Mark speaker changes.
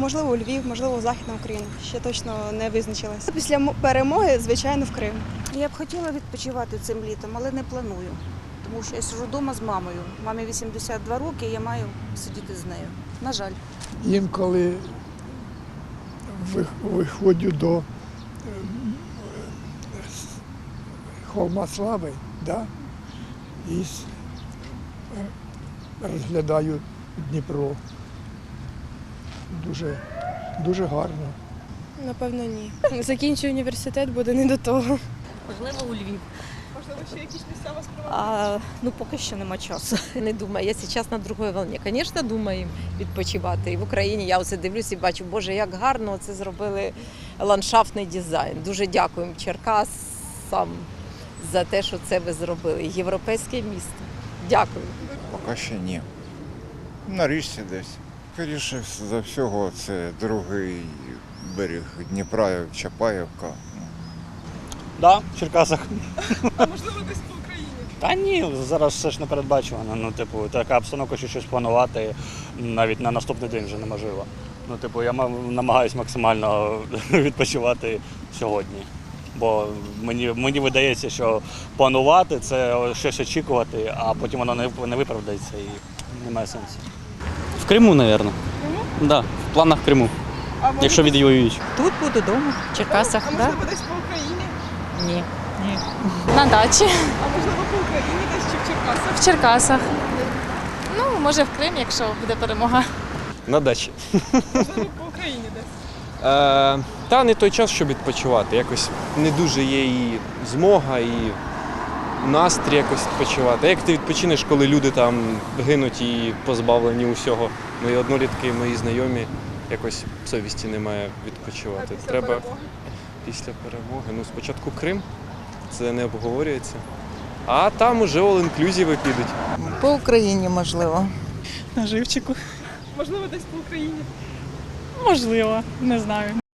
Speaker 1: можливо, у Львів, можливо, Західна Україна. Ще точно не визначилася. Після перемоги, звичайно, в Крим.
Speaker 2: Я б хотіла відпочивати цим літом, але не планую. Тому що я сиджу вдома з мамою. Мамі 82 роки, і я маю сидіти з нею. На жаль.
Speaker 3: Інколи виходжу до холма Слави, да, і розглядаю Дніпро. Дуже гарно.
Speaker 1: Напевно, ні. Закінчу університет, буде не до того.
Speaker 4: Можливо, у Львів.
Speaker 1: Можливо, ще якісь місця вас привабили?
Speaker 4: Ну, поки що нема часу. Не думаю. Я зараз на другій волні. Звісно, думаю відпочивати. І в Україні я оце дивлюся і бачу, Боже, як гарно це зробили ландшафтний дизайн. Дуже дякуємо Черкасам за те, що це ви зробили. Європейське місто. Дякую.
Speaker 5: Поки ще ні. На річці десь. Скоріше за всього, це другий берег Дніпра, Чапаївка.
Speaker 6: Так, в Черкасах.
Speaker 1: А можливо, десь по Україні?
Speaker 6: Та ні, зараз все ж не передбачувано. Ну, типу, така обстановка, що щось планувати навіть на наступний день вже неможливо. Ну, типу, я намагаюся максимально відпочивати сьогодні. Бо мені видається, що планувати це щось очікувати, а потім воно не виправдається і немає сенсу.
Speaker 7: В Криму, мабуть. Да, в планах в Криму, якщо відвоюють.
Speaker 8: Тут буду вдома, в Черкасах.
Speaker 1: А можливо, десь по Україні?
Speaker 8: Ні. На дачі.
Speaker 1: А можливо, по Україні десь чи в Черкасах?
Speaker 8: В Черкасах. Ну, може в Крим, якщо буде перемога.
Speaker 9: На дачі.
Speaker 1: Можливо, по Україні десь?
Speaker 9: Та не той час, щоб відпочивати. Якось не дуже є і змога, і настрій якось відпочивати. А як ти відпочинеш, коли люди там гинуть і позбавлені усього? Мої однолітки, мої знайомі, якось совісті немає відпочивати. Треба після перемоги. Ну, спочатку Крим, це не обговорюється. А там уже all-inclusive підуть.
Speaker 10: По Україні, можливо.
Speaker 8: На живчику.
Speaker 1: Можливо, десь по Україні?
Speaker 8: Можливо, не знаю.